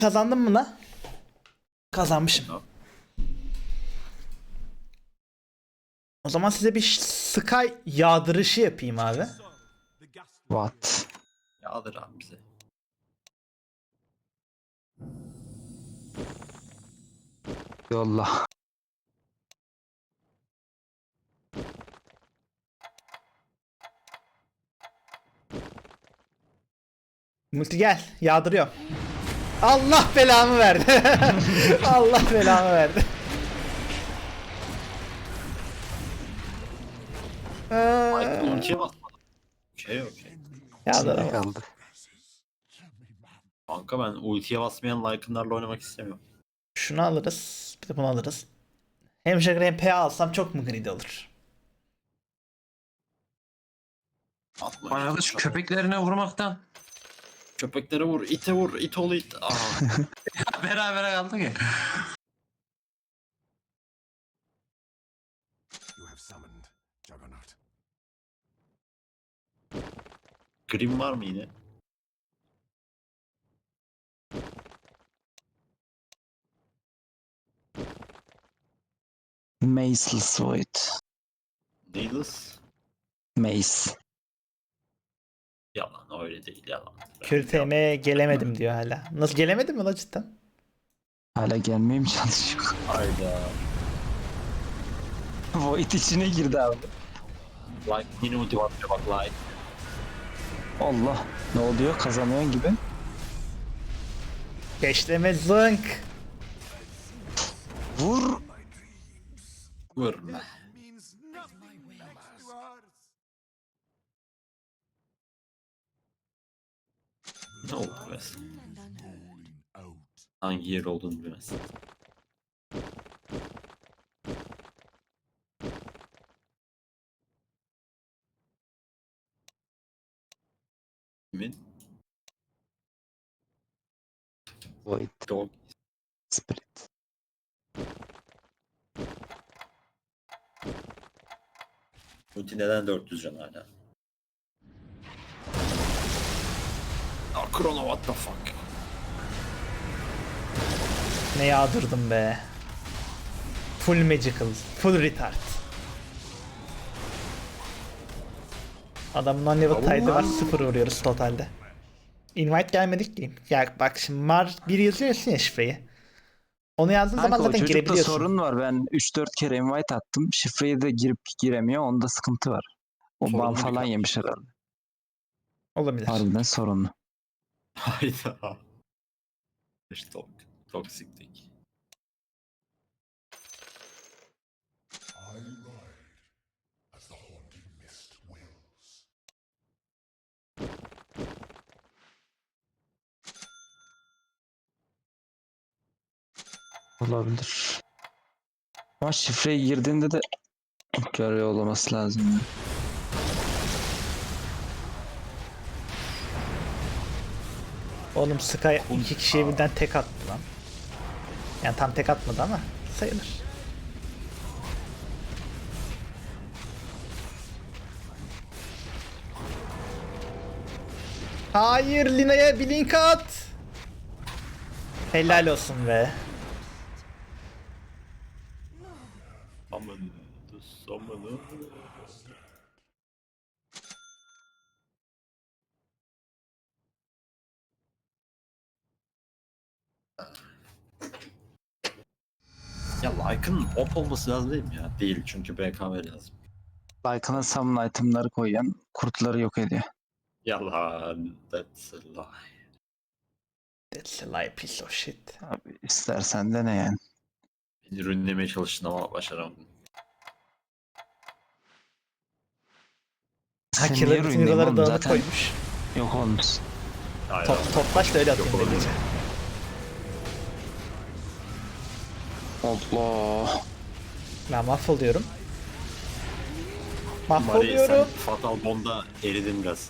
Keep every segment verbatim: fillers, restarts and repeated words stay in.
Kazandım mı la? Kazanmışım. O zaman size bir Sky yağdırışı yapayım abi. What? Yağdır abi bize. Yolla. Multi gel. Yağdırıyor. Allah belamı verdi. Allah belamı verdi. Michael Ee, ultiye basmadı. Okey okey. Yağdır Ne ama. kaldı? Kanka ben ultiye basmayan Lycan'larla oynamak istemiyorum. Şunu alırız. Bir de bunu alırız. Hem Jagger hem P A alsam çok mu greedy olur? Atma. Bana şu köpeklerine vurmaktan. Köpeklere vur, ite vur, it ol it. Aa. Beraber kaldık ya. You have summoned Juggernaut. Grim var mı yine? Maceless Void. Needless. Mace. Yalan öyle değil yalan. Kür T M'ye gelemedim diyor hala. Nasıl gelemedim mi la cidden? Hala gelmeye mi çalışıyor? Hayda. Void içine girdi abi. Like yine ulti basıyor bak like. Allah. Ne oluyor? Kazanıyorsun gibi. Beşleme zınk. Vur. Vurma. Means nothing next to ours. Ne oldu mesela? Out. Hangi yer olduğunu bilmezsin. Kimin? Void. Dog. Spirit. Ulti neden dört yüz can hala? Ah Chrono what the fuck? Ne yağdırdım be. Full magical. Full retard. Adamın on level tide'ı var. Sıfır vuruyoruz totalde. Invite gelmedik ki. Ya bak şimdi Mar bir yazıyorsun ya şifreyi. Onu yazdığın zaman Kanka o zaten çocukta girebiliyorsun. sorun var. Ben üç dört kere invite attım. Şifreyi de girip giremiyor. Onda sıkıntı var. O ban Sorunlu bir falan kanka. yemiş herhalde. Olabilir. Harbiden sorunlu. Hayda. İşte tok. Toksiklik. I ride as the haunted mist wills. Olabilir. Ama şifreyi girdiğinde de görüyor olması lazım. ya. Oğlum Sky iki kişiye birden tek attı lan. Yani tam tek atmadı ama sayılır. Hayır, Lina'ya bir link at. Helal olsun be. Aman. Aman. Ya Lycan'ın op olması lazım değil mi ya? Değil çünkü B K M lazım. Like'ına summon itemları koyan kurtları yok ediyor. Yalan. That's a lie. That's a lie, piece of shit. Abi istersen de ne yani. Beni ürünlemeye çalıştın ama başaramadın. Sen Haker'ın niye bütün ruinleyim euroları oğlum? dağınık Zaten koymuş. yok olmuş. Hayda. Top, toplaş da öyle atıyorum Yok, böylece. Allah. Ben mahvoluyorum. Mari sen Mahvoluyorum. Fatal Bond'a eridin biraz.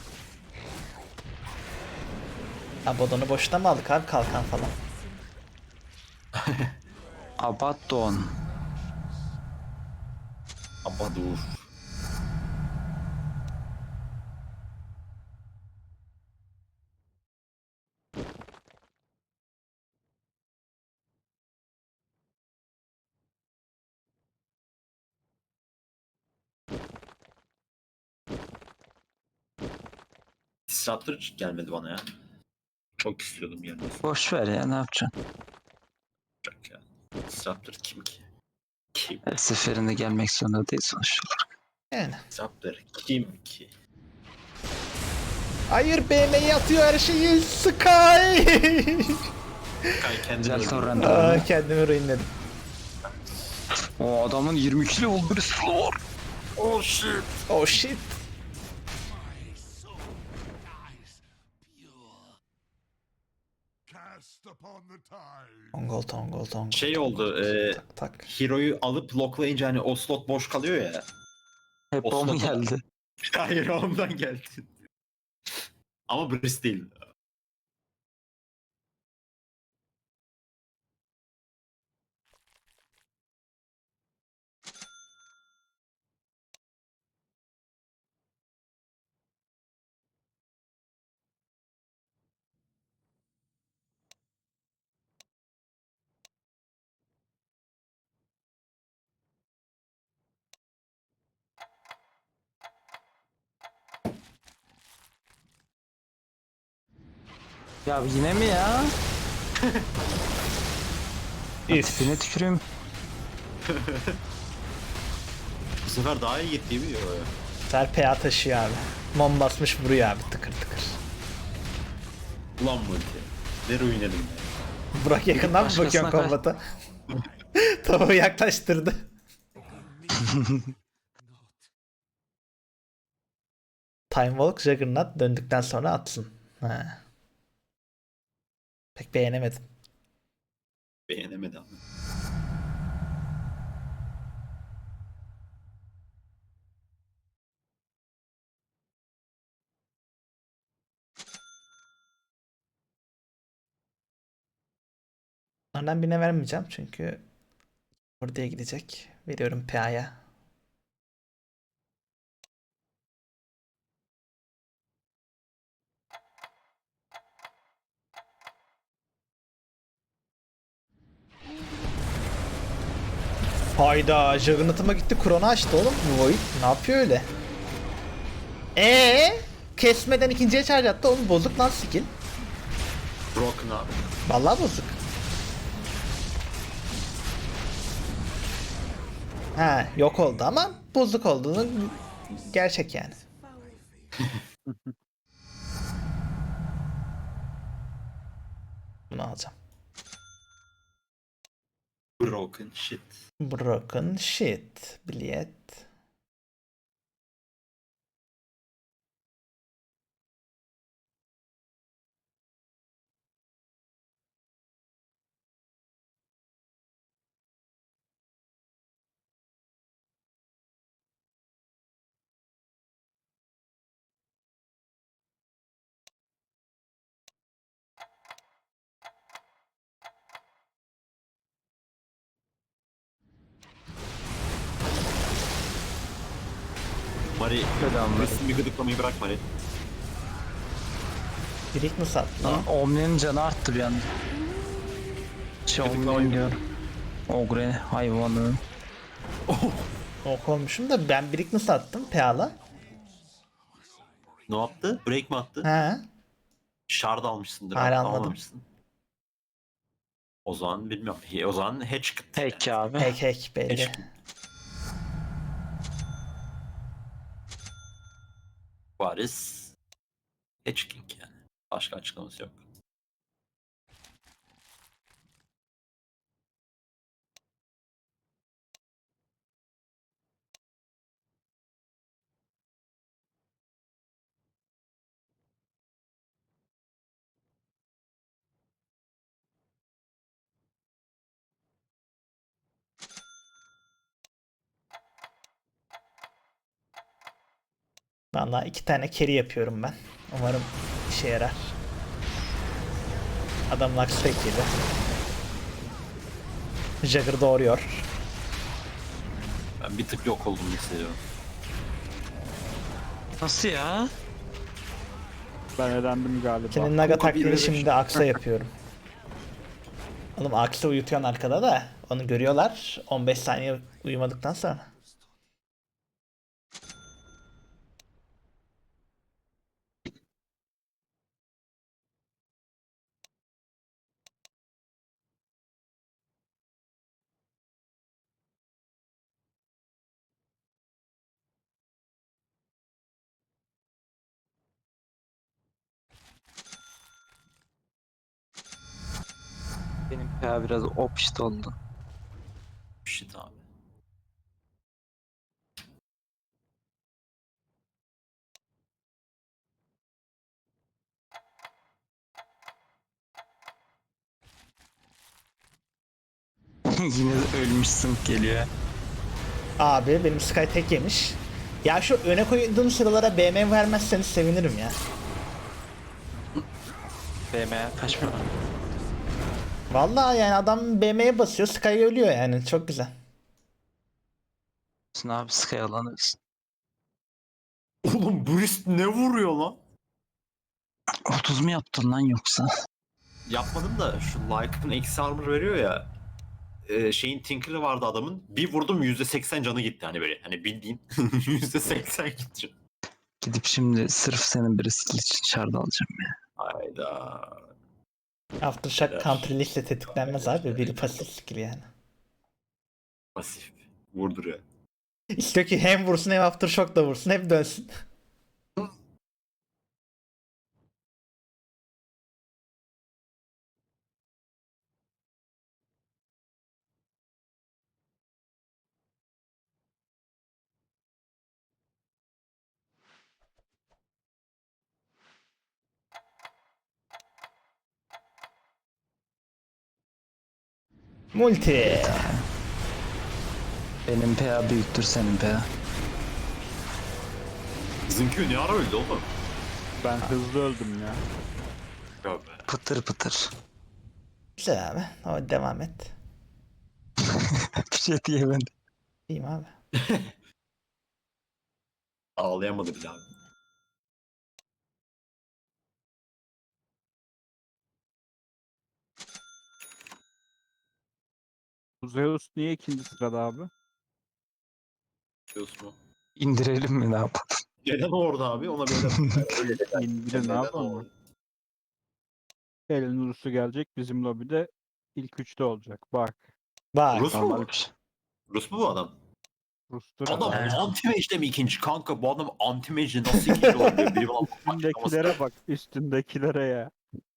Abadon'u boşuna mı aldık abi, kalkan falan? Abaddon. Ama dur. Disruptor hiç gelmedi bana ya. Çok istiyordum gelmesi. Boş ver ya, ne yapacaksın? Olacak ya. Disruptor kim ki? Kim? Her seferinde gelmek zorunda değil sonuçta. Yani. Disruptor kim ki? Hayır, B M'yi atıyor her şeyi. Sky. Kay kendini Güzel öldürdü. torrent Aa, abi. kendimi ruinledim. O adamın yirmi iki level bir silahı var. Oh shit. Oh shit. Cast upon the tide. Tongol tongol tongol. Şey oldu. E, Tak tak. Hero'yu alıp locklayınca hani o slot boş kalıyor ya. Hep O o mu slot- geldi? Hayır ondan geldi. Ama Briss değil. Ya yine mi ya? Üf. Tipine tüküreyim. Bu sefer daha iyi gitti mi? Yo, yo. Ser P A taşıyor abi. Mom basmış vuruyor abi tıkır tıkır. Ulan multi. Ne ruinledim ya. Burak yakından mı Başkasına bakıyorsun kay- kombata? Tavuğu yaklaştırdı. Time Walk Juggernaut döndükten sonra atsın. Ha. Pek beğenemedim. Beğenemedi ama. Onlardan birine vermeyeceğim çünkü oraya gidecek. Veriyorum P A'ya. Hayda, Juggernaut'ıma gitti, Kron'u açtı oğlum. Void ne yapıyor öyle? Eee? Kesmeden ikinciye charge attı oğlum, bozuk lan skill. Broken abi. Vallahi bozuk. Ha, yok oldu ama bozuk olduğunu gerçek yani. Bunu alacağım. Broken shit. Broken shit. Bilet. Mari. Bedava. Briss'in bir gıdıklamayı bırak Mari. Birik mi sattı? Lan Omni'nin canı arttı bir anda. Şey Omni'nin diyorum. Ogre hayvanı. Ok olmuşum da ben birik mi sattım P A'la? Ne yaptı? Break mi attı? Ha. Shard almışsındır. Hayır, abi, anladım. almamışsın. O zaman bilmiyorum. He- O zaman hatch kıt. Peki abi. Hack hack belli. Hatch Varis. Hatch King yani. Başka açıklaması yok. Vallahi iki tane carry yapıyorum ben. Umarım işe yarar. Adam Lux tek yedi. Jagger doğuruyor. Ben bir tık yok oldum hissediyorum. Nasıl ya? Ben elendim galiba. Senin Naga Kuka bir taktiğini ve şimdi beş. Aksa yapıyorum. Oğlum Aksa uyutuyorsun arkada da. Onu görüyorlar on beş saniye uyumadıktan sonra. Benim ya biraz opşit oldu. Shit abi. Yine de ölmüşsün geliyor. Abi benim Sky tek yemiş. Ya şu öne koyduğum sıralara B M vermezseniz sevinirim ya. B M'ye kaçma. Vallahi yani adam B M'ye basıyor, Sky ölüyor yani. Çok güzel. Ne abi Sky alanırsın. Oğlum Brist ne vuruyor lan? otuz mu yaptın lan yoksa? Yapmadım da şu Lycan'ın eksi armor veriyor ya. E, şeyin Tinker'ı vardı adamın. Bir vurdum yüzde seksen canı gitti hani böyle. Hani bildiğin yüzde seksen gitti. Gidip şimdi sırf senin bir skill için şard alacağım ya. Hayda. Aftershock Helal. counter liste tetiklenmez abi. Biri pasif skill yani. Pasif. Vurduruyor. İstiyor ki hem vursun hem Aftershock da vursun. Hep dönsün. Multi. Benim P A büyüktür senin P A. Bizimki ne ara öldü oğlum? Ben hızlı öldüm ya. Ya be. Pıtır pıtır. Güzel abi. Ama devam et. Bir şey diyemedim. İyiyim abi. Ağlayamadı bile abi. Bu Zeus niye ikinci sırada abi? Biliyorsun mu? İndirelim mi ne yapalım? Neden orada abi? Ona böyle öyle de. İndirin ne Neden yapalım o? mı? Elin Rus'u gelecek bizim lobide ilk üçte olacak. Bak. Bak. Rus mu? Normal bir şey. Rus mu bu adam? Rus'tur. Adam herhalde. anti-mage'de mi ikinci? Kanka bu adam anti-mage'de nasıl ikinci olabiliyor? Biri bana Üstündekilere bak. Üstündekilere ya.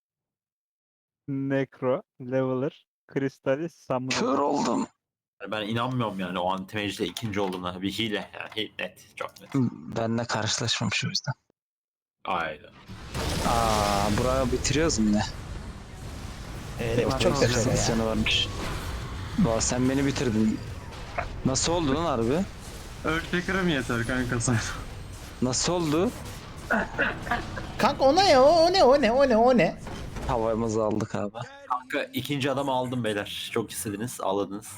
Necro, Leveler, Crystallis, Samurai. Kör oldum. Yani ben inanmıyorum yani o anti-mage'de ikinci olduğuna. Bir hile yani. Hile net. Çok net. Benle karşılaşmamış o yüzden. Aynen. Aa, buraya bitiriyoruz mu yine? Evet, çok sekiz güzel ya. canı varmış. Valla sen beni bitirdin. Nasıl oldu lan harbi? Earthshaker'a mı yeter kanka sen? Nasıl oldu? Kanka o ne ya? O ne? O ne? O ne? O ne? Havamızı aldık abi. Kanka ikinci adamı aldım beyler. Çok istediniz. Ağladınız.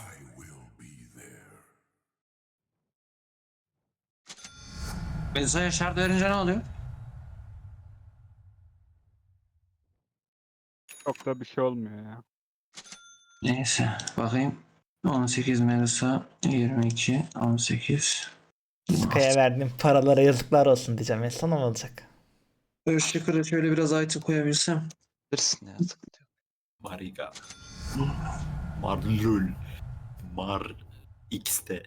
Melisa'ya şart verince ne oluyor? Çok da bir şey olmuyor ya. Neyse bakayım. on sekiz Melisa, yirmi iki, on sekiz. Sky'a verdiğim paralara yazıklar olsun diyeceğim. En son ne olacak? Earthshaker'a şöyle biraz item koyabilsem. Bilirsin ya. sıkıntı yok. Mariga. Marlul. Mar X'te.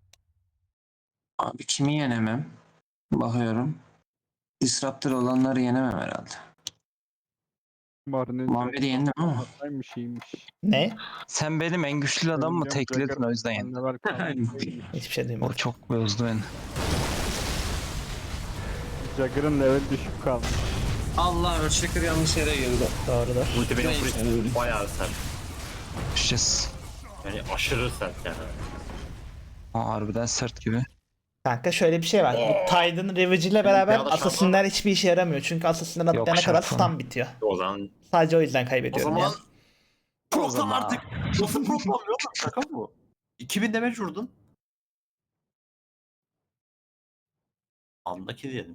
Abi kimi yenemem? Bakıyorum. Disruptor olanları yenemem herhalde. Marinin Muhammed'i yendim ama. Hataymış iyiymiş. Ne? Sen benim en güçlü adam mı Bilmiyorum, tekledin Jagger o yüzden yendim. anneler kalmış iyiymiş. Hiçbir şey O duymadım. çok bozdu beni. Jagger'ın level düşük kalmış. Allah Earthshaker yanlış yere girdi. Doğrudur. Multi benim Brist bayağı sert. Düşeceğiz. Yani aşırı sert yani. Aa, harbiden sert gibi. Kanka şöyle bir şey var. Bu Tide'ın Ravage ile beraber Benim bir adam Assassin'ler hiçbir işe yaramıyor. Çünkü Assassin'ler Yok, atlayana kadar şart falan. stun bitiyor. O zaman Sadece o yüzden o kaybediyorum zaman ya. Problem zaman. artık. Nasıl problem yok? Şaka mı bu? iki bin damage vurdun. Andaki diyelim.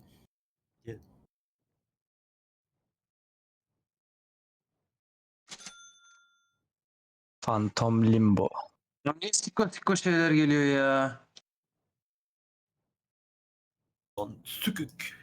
Phantom Limbo. Ya niye sikko sikko şeyler geliyor ya? Lan sükük.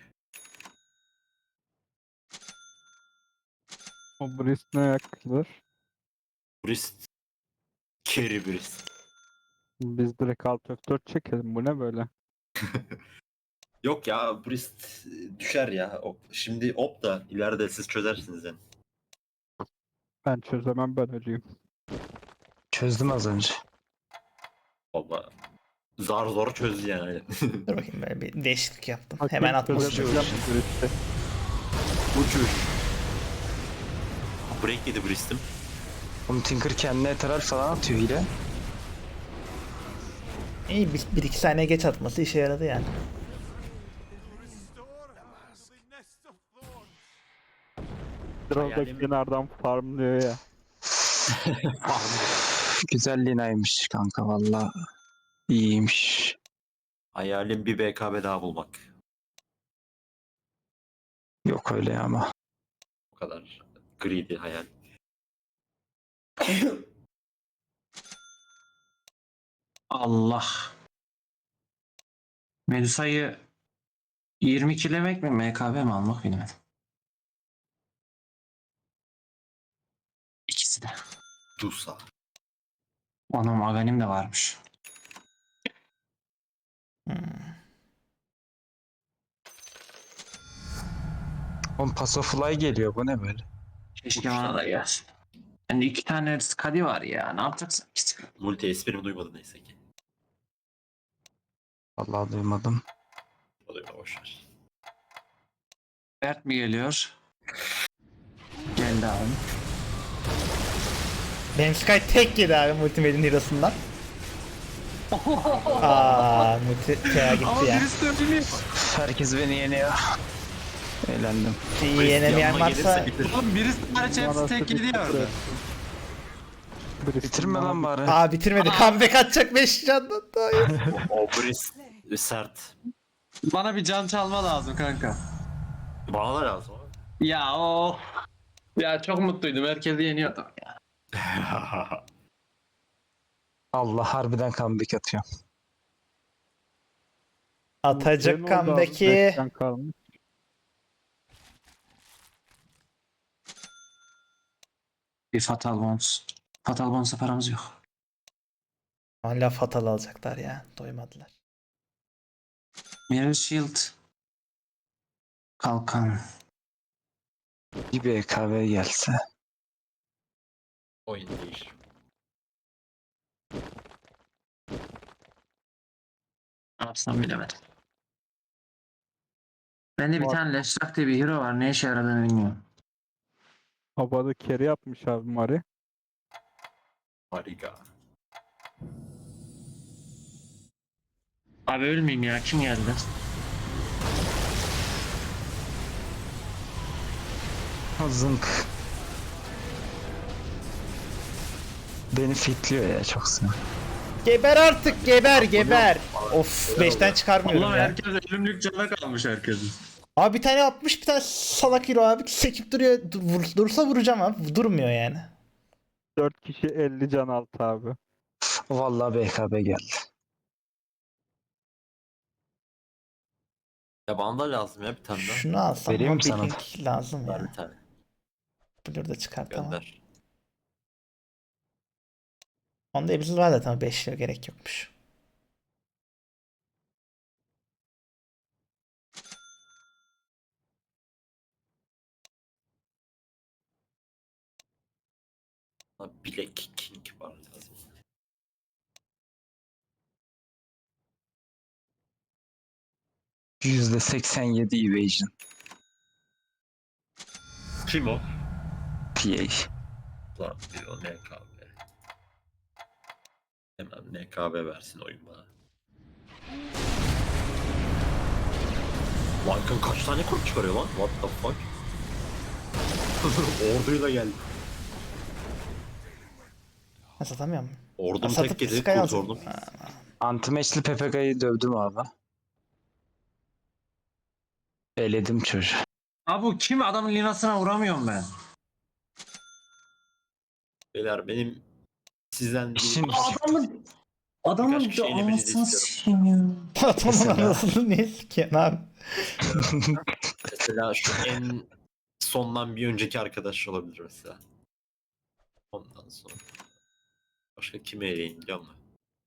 O Brist ne yakılır? Brist. Carry Brist. Biz direkt alt F dört çekelim. Bu ne böyle? Yok ya Brist düşer ya. Op. Şimdi op da ileride siz çözersiniz yani. Ben çözemem, ben öleyim. Çözdüm az önce. Valla zar zor çözdü yani. Dur bakayım böyle bir değişiklik yaptım. Hakem Hemen atması çözebilecek için. midir işte? Uçuş. Break yedi Brist'im. Oğlum Tinker kendine eteral falan atıyor hile. İyi bir, bir iki saniye geç atması işe yaradı yani. Drone'daki Hayalim- kenardan farmlıyor ya. Güzel linaymış kanka valla. İyiymiş. Hayalim bir B K B daha bulmak. Yok öyle ama. O kadar greedy hayal. Allah. Medusa'yı yirmi kilemek mi M K B mi almak bilemedim. İkisi de. Dusa. Anam Aganim de varmış. Hmm. Oğlum Pass of Fly geliyor bu ne böyle? Keşke bana da gelsin. Yani iki tane skadi var ya. Ne yapacaksın? İkisi. Multi esprimi duymadı neyse ki. Vallahi duymadım. O da öyle boşver. Bert mi geliyor? Geldi abi. Benim Sky tek yedi abi Multimedia'nın hero'sundan. Aaa multi T A gitti ya. Herkes beni yeniyor. Eğlendim. İyi yenemeyen Yanıma varsa gelirse bitir. Oğlum birisi hariç hepsi Manası tek yedi ya bitti. orada. Birisi Bitirme lan bana- bari. aa bitirmedi. Comeback atacak beş candan daha iyi. O Brist sert. Bana bir can çalma lazım kanka. Bana da lazım abi. Ya o. Ya çok mutluydum. Herkesi yeniyordum ya. Allah harbiden comeback atıyor. Atacak Senin oldu abi, comeback'i. beşten kalmış. Bir Fatal Bones. Fatal Bones'a paramız yok. Hala fatal alacaklar ya. Doymadılar. Mirror Shield. Kalkan. Bir B K B gelse. Oyun değişir. Ne yapsam bilemedim. Bende bir Var. tane Leshrak diye bir hero var. Ne işe yaradığını bilmiyorum. Havada carry yapmış abi Mari. Harika. Abi ölmeyeyim ya. Kim geldi? Zınk. Beni fitliyor ya çok sinir. Geber artık geber geber. Of beşten çıkarmıyorum Allah ya. herkes ölümlük cana kalmış herkesin. Abi bir tane atmış bir tane salak hero abi sekip duruyor. Dur, vur- dursa vuracağım abi. Durmuyor yani. dört kişi elli can altı abi. Vallahi B K B geldi. Ya bana da lazım ya bir tane daha. Şunu alsam Vereyim ama mi sana da? Blink lazım Ver ya. bir tane. Blur da çıkartamam. Gönder. Onda Ebzil var zaten beş lira gerek yokmuş. Ha, Black King var lazım. yüzde seksen yedi evasion. Kim o? P A. Lan bir o N K B. Hemen N K B versin oyun bana. Lycan kaç tane kurt çıkarıyor lan? What the fuck? Orduyla geldi. Ha satamıyor mu? Ordum Satıp tek gezi Sky kurt alacak. ordum. Ha, Antimeşli P P K'yı dövdüm abi. Eledim çocuğu. Abi bu kim? Adamın linasına vuramıyorum ben. Beyler benim sizden bir... İşin- Adamın Adamın Birkaç kişi da eğlenceli anasını istiyorum. sikeyim ya. Adamın Mesela. anasını niye sikiyorsun abi? Mesela şu en sondan bir önceki arkadaş olabilir mesela. Ondan sonra. Başka kimi eleyim biliyor musun?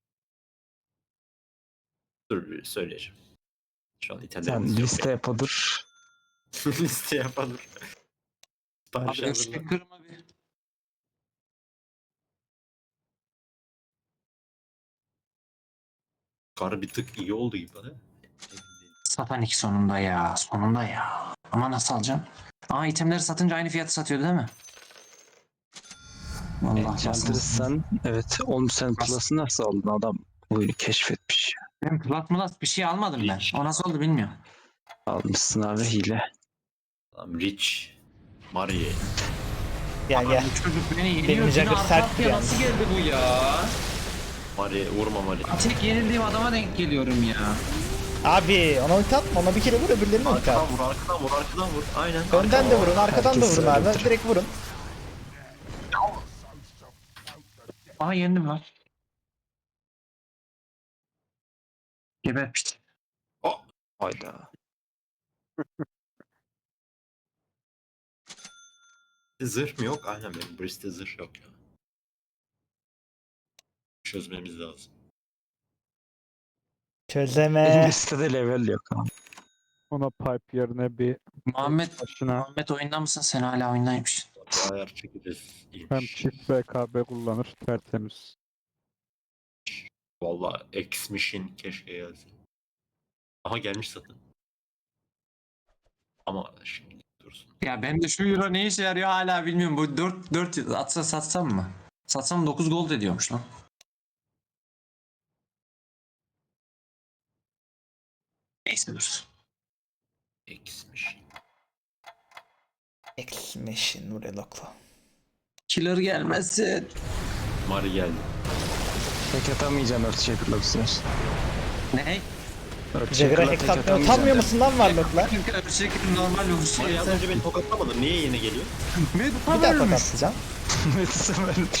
Dur bir söyleyeceğim. Şu an Sen İtalyanımız yok. liste yapılır. Liste yapalım. Sipariş Abi hazırla. eşek kırma bir. Kar bir tık iyi oldu gibi. He? Satanik sonunda ya. Sonunda ya. Ama nasıl alacağım? Aa itemleri satınca aynı fiyatı satıyor değil mi? Vallahi nasıl? Enchantress'san evet oğlum sen Plus'ı nasıl aldın adam oyunu keşfetmiş. Ben plat mulat bir şey almadım ben. O nasıl oldu bilmiyorum. Almışsın abi hile. Tamam Rich. Marie. Gel gel. Bu çocuk beni yeniyor. Benim Yine Jagger arka sert arkaya yani. nasıl geldi bu ya? Marie vurma Marie. Tek yenildiğim adama denk geliyorum ya. Abi ona ulti atma, ona bir kere vur, öbürlerine ulti Arkadan at. vur, arkadan vur, arkadan vur. Aynen. Önden de vurun, arkadan da Herkes vurun abi. öyledir. Direkt vurun. Aa yendim lan. Geber piç. Oh. Hayda. Zırh mı yok? Aynen benim Brist'te zırh yok ya. Çözmemiz lazım. Çözeme. Listede level yok ama. Ona pipe yerine bir Muhammed, başına Muhammed oyunda mısın? Sen hala oyundaymışsın. Bir ayar çekeceğiz. hem İyiymiş. çift B K B kullanır tertemiz. Valla X-Machine keşke gelsin. Aha gelmiş zaten. Ama şimdi dursun. Ya ben de şu euro ne işe yarıyor hala bilmiyorum. Bu dört dört atsa satsam mı? Satsam dokuz gold ediyormuş lan. Neyse dur. X-Machine. X-Machine Urelok'la. Killer gelmesin. Mari geldi. Tek atamayacaksın Earthshaker'la bu sefer. Ne? Jagger'a Earthshaker'la hack tek atmıyor. Utanmıyor atamayacaksın. musun lan Warlock'la? Çünkü öyle şey normal olmuş. Mari az önce beni tokatlamadı. Niye yine geliyor? Bir daha tokatlayacağım. Medusa vermiş.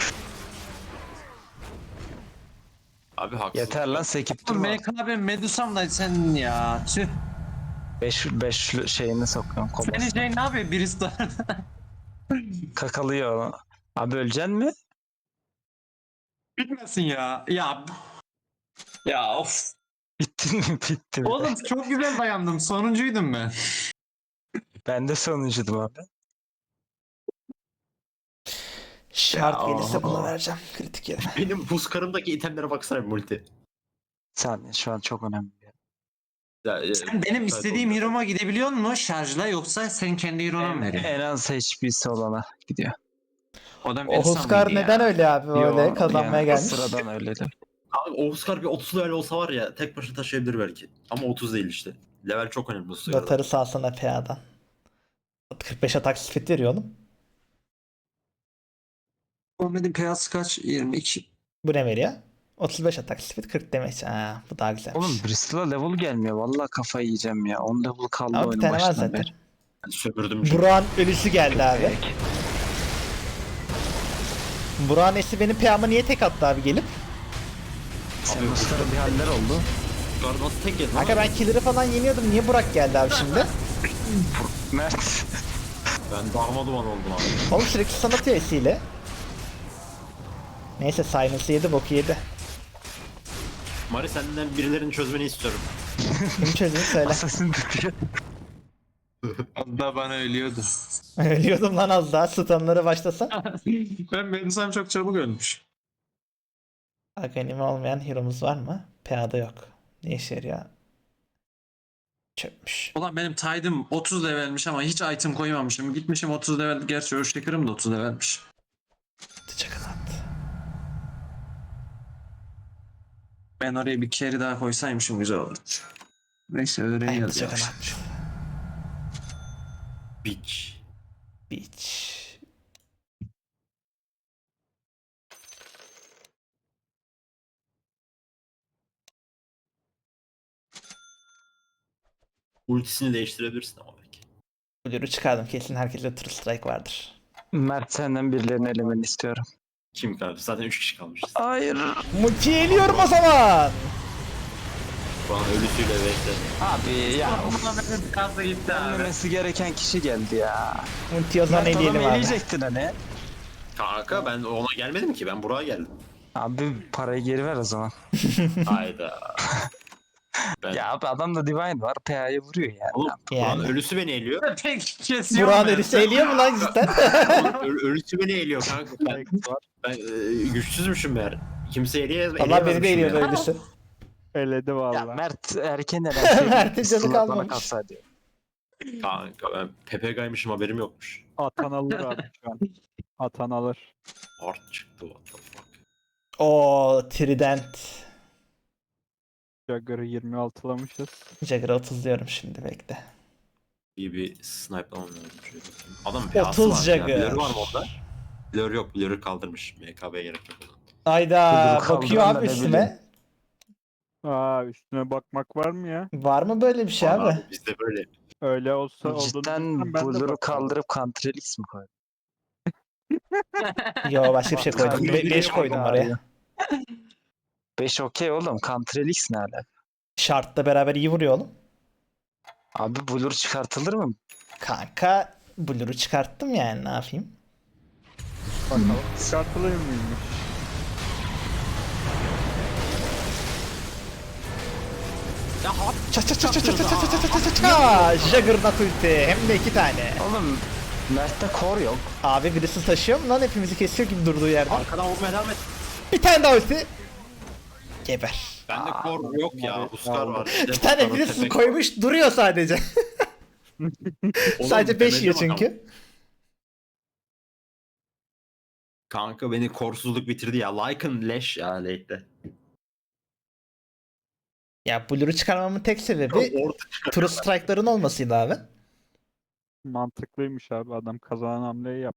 Abi haksız. Yeter lan sekip durma. M K B Medusa'm da sen ya. Tüh. beş beş şeyini sokuyorum Senin komasına. şey ne yapıyor birisi de? Kakalıyor onu. Abi öleceksin mi? Bitmesin ya. Ya. Ya of. Bittin mi? Bitti mi? Oğlum çok güzel dayandım. Sonuncuydum ben. Ben de sonuncuydum abi. Şart Ya, gelirse o- bunu vereceğim. Kritik yerine. Benim buz karımdaki itemlere baksana bir multi. Sen şu an çok önemli. Ya, e, Sen benim evet, istediğim oldu. hero'ma gidebiliyor musun şarjla yoksa sen kendi hero'na mı veriyorsun? En az H P'si olana gidiyor. O da O Huskar neden öyle abi öyle Yo, kazanmaya yani gelmiş? Sıradan öyledir. Abi o Oscar bir otuz level olsa var ya tek başına taşıyabilir belki. Ama otuz değil işte. Level çok önemli bu sırada. Lotarı salsana P A'dan. kırk beş atak speed veriyor oğlum. Muhammed'in piyası kaç? yirmi iki. Bu ne veriyor? otuz beş atak speed kırk damage. Ha, bu daha güzelmiş. Oğlum Bristol'a level gelmiyor. Vallahi kafayı yiyeceğim ya. on level kaldı Ama bir oyunun tane var başından zaten. beri. Ben sömürdüm çünkü. Burak'ın ölüsü geldi abi. Peki. Burak'ın esi benim P A'ma niye tek attı abi gelip? Sen Oscar'a bir haller oldu. Oscar nasıl tek yedin? Kanka ben killer'ı falan yeniyordum. Niye Burak geldi abi şimdi? Mert. Ben darma duman oldum abi. Oğlum sürekli sana atıyor esiyle. Neyse Silence'ı yedi boku yedi. Mari senden birilerini çözmeni istiyorum. Kim çözümü söyle. Assassin tutuyor. O da bana ölüyordu. Ölüyordum lan az daha stunları başlasa. Ben Medusa'm çok çabuk ölmüş. Aganimi olmayan hero'muz var mı? P A'da yok. Ne işe yarıyor? Çöpmüş. Ulan benim Tide'ım otuz levelmiş ama hiç item koymamışım. Gitmişim otuz level. Gerçi Earthshaker'ım da otuz levelmiş. Çakalat. Ben oraya bir carry daha koysaymışım güzel olurdu. Neyse Aynı öğreniyoruz ya. çakalat. Bitch. Beach. Ultisini değiştirebilirsin ama belki. Blur'u çıkardım. Kesin herkeste True Strike vardır. Mert senden birilerini elemeni istiyorum. Kim kaldı? Zaten üç kişi kalmışız. Hayır. Multi'yi eliyorum o zaman. Şu an ölüsüyle bekle. Abi ya. Muhammed'in biraz da gitti abi. Gelmemesi gereken kişi geldi ya. Multi'yi o zaman Mert adamı eleyelim abi. eleyecektin hani. Kanka ben ona gelmedim ki. Ben buraya geldim. Abi parayı geri ver o zaman. Hayda. Ben... Ya abi adamda Divine var. P A'yı vuruyor yani. Oğlum Yani. Burak'ın ölüsü beni eliyor. Pek kesiyor. Burak'ın ölüsü eliyor mu lan cidden? Oğlum, ö- ölüsü beni eliyor kanka. Ben, ben e, güçsüzmüşüm meğer. Kimse eleyemez. Allah beni de eleyemezmişim eliyordu yani. ölüsü. Eledi Ya vallahi. Mert erken elen Mert'in canı Sıla bana kalmamış. kalsaydı. Kanka ben P P G'ymışım haberim yokmuş. Atan alır abi şu an. Atan alır. Art çıktı what the fuck. O Trident. Jagger'ı yirmi altılamışız. Jagger'ı otuz diyorum şimdi, bekle. İyi bir snipe'lamam lazım. Şöyle bakayım. Adam P A'sı otuz var ya. Jagger. Blur'ü var mı onda? Blur yok. Blur'ü kaldırmış. M K B'ye gerek yok o zaman. Ayda Kuduruk bakıyor kaldıran da abi ne üstüme. Aa üstüne bakmak var mı ya? Var mı böyle bir şey Var abi? Bizde böyle. Öyle olsa olduğunu Cidden bilsem ben de Blur'u bakarım. kaldırıp Countrylix mi koydun? Yo, başka bir şey koydum. Countrylix beş koydum oraya. beş okey oğlum. Countrylix ne alaka? Şartla beraber iyi vuruyor oğlum. Abi Blur çıkartılır mı? Kanka Blur'u çıkarttım yani, ne yapayım? Bakalım çıkartılıyor muymuş? Ça ça ça ça ça ça ça ça ça ça ça. Juggernaut ulti, hem de iki tane. Oğlum Mert'te core yok. Abi birisi taşıyor mu lan, hepimizi kesiyor gibi durduğu yerde. Arkadan vurmaya devam et. Bir tane daha ulti. Geber. Bende core yok ya. Huskar var. Bir tane birisi koymuş duruyor sadece. Sadece beş yiyor çünkü. Kanka beni korsuzluk bitirdi ya. Lycan leş ya late'de. Ya Blur'u çıkarmamın tek sebebi Orta True Strike'ların olmasıydı abi. Mantıklıymış abi, adam kazanan hamleyi yap.